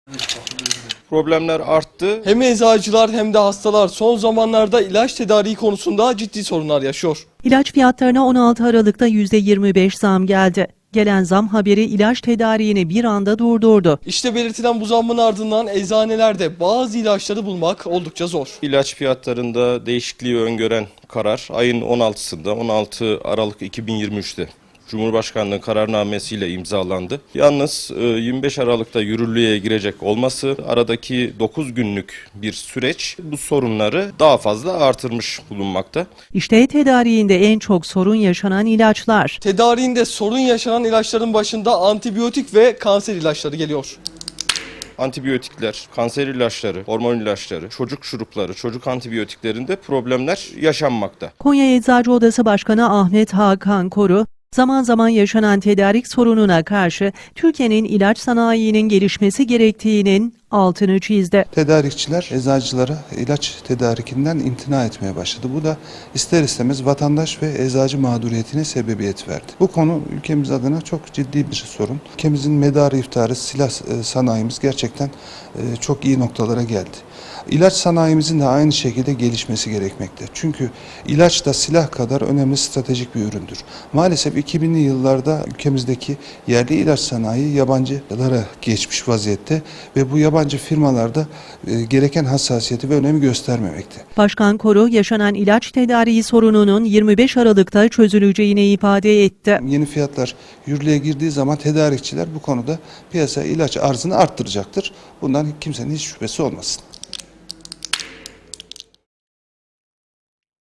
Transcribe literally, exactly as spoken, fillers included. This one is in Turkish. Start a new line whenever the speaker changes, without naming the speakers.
Problemler arttı.
Hem eczacılar hem de hastalar son zamanlarda ilaç tedariği konusunda ciddi sorunlar yaşıyor.
İlaç fiyatlarına on altı Aralık'ta yüzde yirmi beş zam geldi. Gelen zam haberi ilaç tedariğini bir anda durdurdu.
İşte belirtilen bu zammın ardından eczanelerde bazı ilaçları bulmak oldukça zor.
İlaç fiyatlarında değişikliği öngören karar ayın on altısında on altı Aralık iki bin yirmi üç'te Cumhurbaşkanlığı kararnamesiyle imzalandı. Yalnız yirmi beş Aralık'ta yürürlüğe girecek olması aradaki dokuz günlük bir süreç bu sorunları daha fazla artırmış bulunmakta.
İşte tedariğinde en çok sorun yaşanan ilaçlar.
Tedariğinde sorun yaşanan ilaçların başında antibiyotik ve kanser ilaçları geliyor.
Antibiyotikler, kanser ilaçları, hormon ilaçları, çocuk şurupları, çocuk antibiyotiklerinde problemler yaşanmakta.
Konya Eczacı Odası Başkanı Ahmet Hakan Koru, zaman zaman yaşanan tedarik sorununa karşı Türkiye'nin ilaç sanayinin gelişmesi gerektiğinin altını çizdi.
Tedarikçiler eczacılara ilaç tedarikinden imtina etmeye başladı. Bu da ister istemez vatandaş ve eczacı mağduriyetine sebebiyet verdi. Bu konu ülkemiz adına çok ciddi bir sorun. Ülkemizin medarı iftiharı silah sanayimiz gerçekten çok iyi noktalara geldi. İlaç sanayimizin de aynı şekilde gelişmesi gerekmekte. Çünkü ilaç da silah kadar önemli stratejik bir üründür. Maalesef iki binli yıllarda ülkemizdeki yerli ilaç sanayi yabancılara geçmiş vaziyette ve bu yabancı firmalarda e, gereken hassasiyeti ve önemi göstermemekte.
Başkan Koru, yaşanan ilaç tedariği sorununun yirmi beş Aralık'ta çözüleceğini ifade etti.
Yeni fiyatlar yürürlüğe girdiği zaman tedarikçiler bu konuda piyasa ilaç arzını arttıracaktır. Bundan kimsenin hiç şüphesi olmasın.